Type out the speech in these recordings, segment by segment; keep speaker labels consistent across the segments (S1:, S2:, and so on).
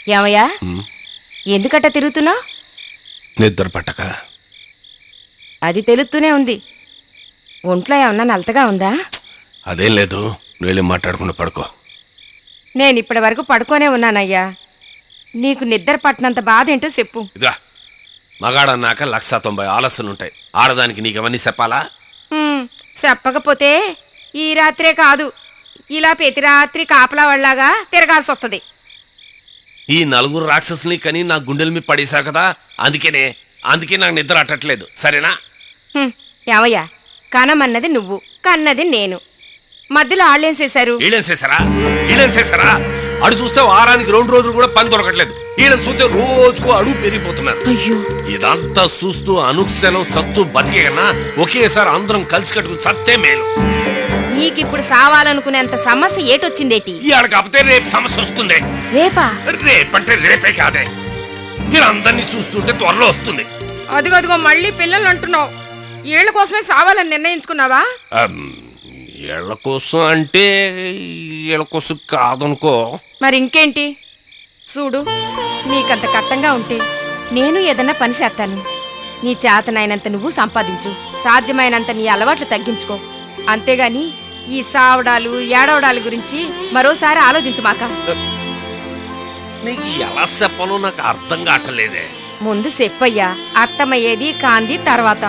S1: ఏమయ్యా ఎందుకట్ట తిరుగుతున్నావు?
S2: నిద్ర పట్టక.
S1: అది తెలుస్తూనే ఉంది. ఒంట్లో ఏమన్నా నలతగా ఉందా?
S2: అదేం లేదు, నువ్వు వెళ్ళి మాట్లాడకుండా పడుకో.
S1: నేను ఇప్పటి వరకు పడుకోనే ఉన్నానయ్యా. నీకు నిద్ర పట్టినంత బాధ ఏంటో చెప్పు.
S2: ఇదిగా మగాడన్నాక 190 ఆలస్యాలుంటాయి. ఆడదానికి నీకెవన్నీ చెప్పాలా?
S1: చెప్పకపోతే ఈ రాత్రే కాదు, ఇలా ప్రతి రాత్రి కాపలా వాళ్ళలాగా తిరగాల్సి వస్తుంది.
S2: ఈ 4 రాక్షసుని కని నా గుండెల మీద పడేసా కదా, అందుకే నాకు నిద్ర అట్టట్లేదు. సరేనా?
S1: ఏమయ్యా, కనమన్నది నువ్వు, కన్నది నేను. మధ్యలో వాళ్ళేం చేశారు?
S2: వీళ్ళేం చేశారా? అడు చూస్తే వారానికి 2 రోజులు కూడా పని దొరకట్లేదు. వీళ్ళని చూస్తే రోజుకు అడుగు పెరిగిపోతున్నారు.
S1: అయ్యో,
S2: ఇదంతా చూస్తూ అనుక్షణం సత్తు బతికే కన్నా ఒకేసారి అందరం కలిసి కట్టుకుని సత్తే మేలు.
S1: నీకిప్పుడు సావాలనుకునేంత సమస్య ఏటొచ్చిందేటి?
S2: ఇవాళ కాకపోతే రేపు సమస్య వస్తుంది.
S1: రేపా?
S2: రేపంటే రేపే కాదే, వీళ్ళందరినీ చూస్తుంటే త్వరలో వస్తుంది.
S1: అదిగో మళ్ళీ పిల్లలు అంటున్నావు. ఏళ్ల కోసమే సావాలని నిర్ణయించుకున్నావా?
S2: వీళ్ళ కోసం అంటే వీళ్ళ కోసం కాదనుకో.
S1: మరి ఇంకేంటి? చూడు, నీకంత కట్టంగా ఉంటే నేను ఏదన్నా పని చేస్తాను. నీ చేతనైనంత నువ్వు సంపాదించు, సాధ్యమైనంత నీ అలవాట్లు తగ్గించుకో. అంతేగాని ఈ సావడాలు ఏడవడాల గురించి మరోసారి ఆలోచించమాక.
S2: నీకు ఎలా చెప్పాలో నాకు అర్థం కావట్లేదే.
S1: ముందు చెప్పయ్యా, అర్థమయ్యేది కాంది తర్వాత.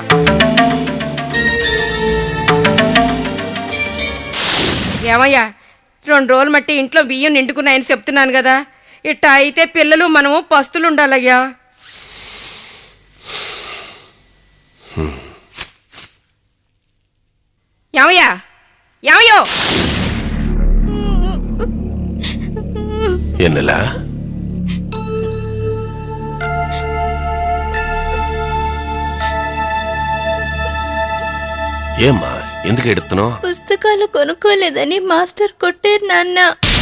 S1: ఏమయ్యా, 2 రోజులు మట్టి ఇంట్లో బియ్యం నిండుకున్నాయని చెప్తున్నాను కదా. ఇట్ట అయితే పిల్లలు మనము పస్తులుండాలయ్యా. ఏమయ్యా, ఏమయ్యో?
S2: ఎన్నెలా ఏమ్మా, ఎందుకు ఎడుతున్నావు?
S3: పుస్తకాలు కొనుక్కోలేదని మాస్టర్ కొట్టారు నాన్న.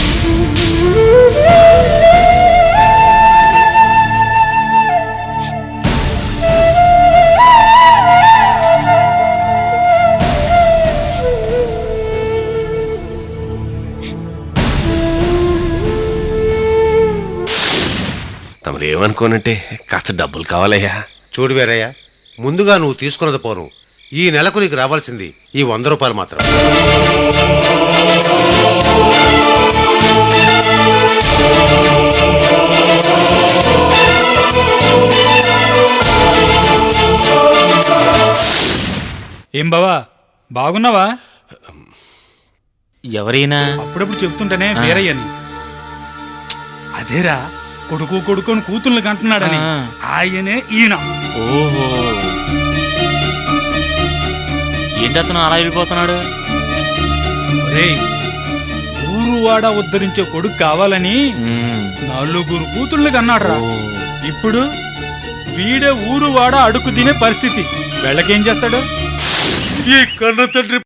S2: తమరు ఏమనుకోనంటే కాస్త డబ్బులు కావాలయ్యా.
S4: చూడు వీరయ్య, ముందుగా నువ్వు తీసుకున్నది పోను. ఈ నెలకు నీకు రావాల్సింది ఈ 100 రూపాయలు మాత్రం.
S5: ఏం బావా, బాగున్నావా?
S6: ఎవరైనా
S5: అప్పుడప్పుడు చెప్తుంటేనే వీరయ్యని. అదేరా, కొడుకుని కూతుర్ని కంటున్నాడని. ఆయనే ఈయన.
S6: ఓహో, ఏంటతను అలా వెళ్ళిపోతున్నాడు?
S5: ఊరువాడ ఉద్ధరించే కొడుకు కావాలని 4 కూతుర్ని కన్నాడు. ఇప్పుడు వీడే ఊరువాడ అడుగు తినే పరిస్థితి. వెళ్ళకేం చేస్తాడు?
S4: ఈ కన్న తండ్రి